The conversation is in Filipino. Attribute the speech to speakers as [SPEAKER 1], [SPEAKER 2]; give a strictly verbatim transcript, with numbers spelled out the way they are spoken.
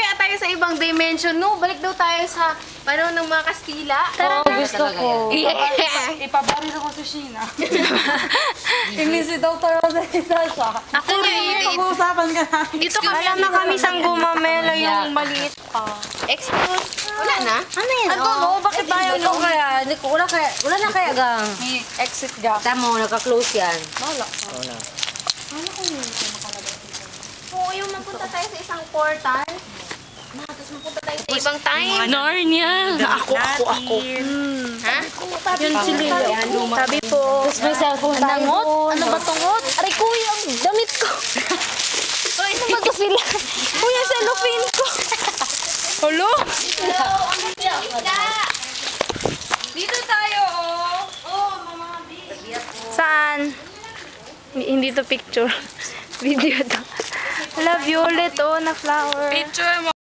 [SPEAKER 1] kaya tayo sa ibang dimension, no? Balik daw tayo sa panahon ng mga Kastila.
[SPEAKER 2] Tara, oh, gusto ko.
[SPEAKER 1] Yeah.
[SPEAKER 3] Ipabaris ako sa Sheena. Imbisi daw tayo sa isa siya.
[SPEAKER 2] Ako rin.
[SPEAKER 3] Pag-uusapan ka namin.
[SPEAKER 1] Dito kami.
[SPEAKER 2] Alam na kami sang gumamela yung maliit pa.
[SPEAKER 1] Excuse. Wala na?
[SPEAKER 2] Ano yan?
[SPEAKER 3] Ano, no? Bakit tayo
[SPEAKER 2] Ito
[SPEAKER 3] no?
[SPEAKER 2] kaya, hindi ko- wala kaya, wala na kaya gang.
[SPEAKER 3] May exit gap.
[SPEAKER 2] Tamo, naka-close yan.
[SPEAKER 3] Wala.
[SPEAKER 2] Wala.
[SPEAKER 1] Oo, yung mapunta tayo sa isang portal. Ma, tapos mapunta tayo sa ibang time.
[SPEAKER 2] Narnia.
[SPEAKER 1] Ako, ako, ako. Ha?
[SPEAKER 2] Yun si Lila. Sabi po. Tapos may cellphone tayo. Nangot? Ano ba tungot? Aray, kuya, ang damit ko. Ay, ano ba to sila? Kuya, cellophane ko. Hello?
[SPEAKER 1] Hello, ang isda. Dito tayo, oh. Oh, mama,
[SPEAKER 2] Saan? Hindi to picture. Video to. Love you ulit, oh, na flower.
[SPEAKER 3] Picture mo.